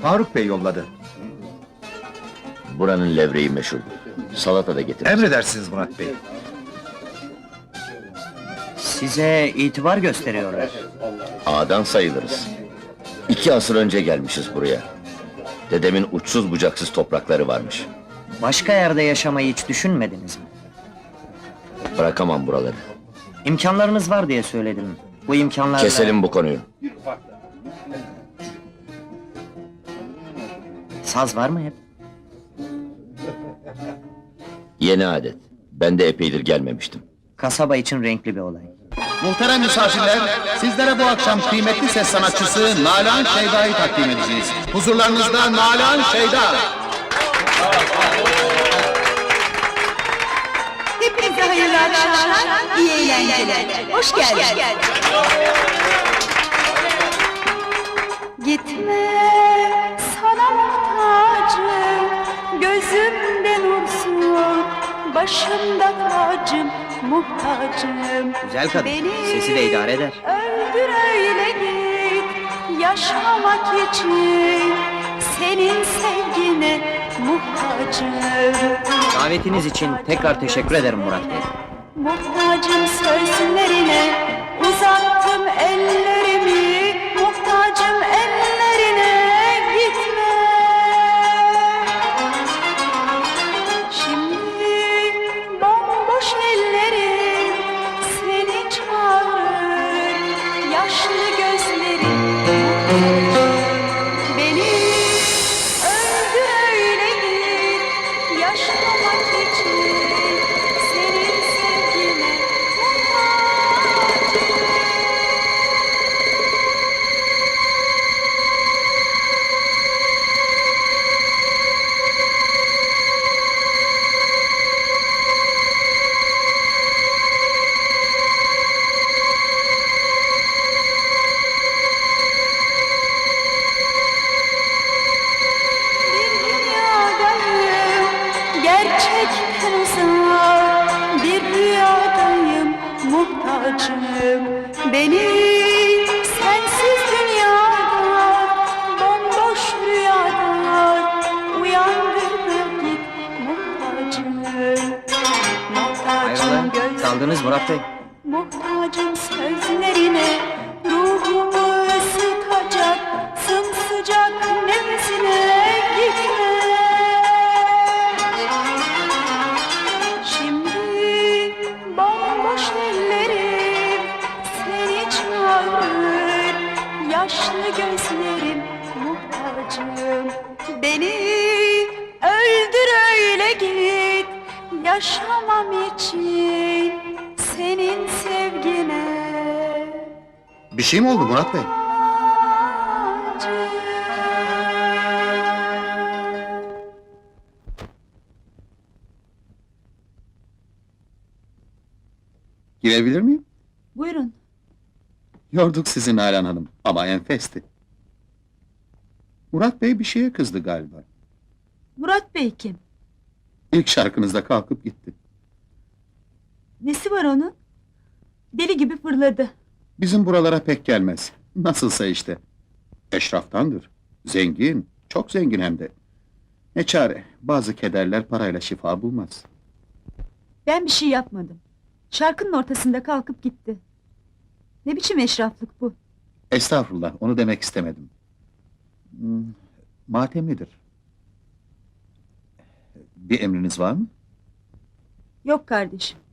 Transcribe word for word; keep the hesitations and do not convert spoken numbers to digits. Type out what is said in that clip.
Faruk Bey yolladı. Buranın levreği meşhur. Salata da getir. Emredersiniz Murat Bey. Size itibar gösteriyorlar. Ağadan sayılırız. İki asır önce gelmişiz buraya. Dedemin uçsuz bucaksız toprakları varmış. Başka yerde yaşamayı hiç düşünmediniz mi? Bırakamam buraları. İmkanlarınız var diye söyledim. Bu imkanlar... Keselim bu konuyu. Saz var mı hep? Yeni adet. Ben de epeydir gelmemiştim. Kasaba için renkli bir olay. Muhterem misafirler, sizlere bu akşam kıymetli ses sanatçısı Nalan Şeyda'yı takdim edeceğiz. Huzurlarınızda Nalan Şeyda. Hepinize hayırlı akşamlar, iyi eğlenceler. Hoş geldin. Gitme, sana muhtacım, gözümde nursun, başımda tacım, muhtacım. Güzel kadın, Beni sesi de idare eder. öldür öyle git, yaşamak için, senin sevgine muhtacım. Davetiniz için tekrar teşekkür ederim Murat Bey. Muhtacım sözlerine, uzattım ellerimi, muhtacım ellerine, gitme. Şimdi bomboş ellerim seni çağırır, yaşlı gözlerim muhtacım. Beni öldür öyle git, yaşamak için. Senin sevgine muhtacım. Bir dünyadayım, gerçekten uzak, bir rüyadayım, muhtacım. Beni sensiz dünyada, bomboş rüyada, uyandır da git, muhtacım. Muhtacım Hayrola, göz, kaldınız Murat Bey. muhtacım sözlerine, ruhumu ısıtacak, sımsıcak nefesine, gitme. Şimdi bomboş ellerim seni çağırır, yaşlı gözlerim muhtacım. Beni öldür öyle git, yaşamam için senin sevgine. Bir şey mi oldu Murat Bey? muhtacım. Girebilir miyim? Buyurun. Yorduk sizi Nalan Hanım ama enfesti. Murat Bey bir şeye kızdı galiba. Murat Bey kim? İlk şarkınızda kalkıp gitti. Nesi var onun? Deli gibi fırladı. Bizim buralara pek gelmez. Nasılsa işte. Eşraftandır. Zengin, çok zengin hem de. Ne çare, bazı kederler parayla şifa bulmaz. Ben bir şey yapmadım. Şarkının ortasında kalkıp gitti. Ne biçim eşraflık bu? Estağfurullah, onu demek istemedim. Hmm, matemlidir. Bir emriniz var mı? Yok kardeşim.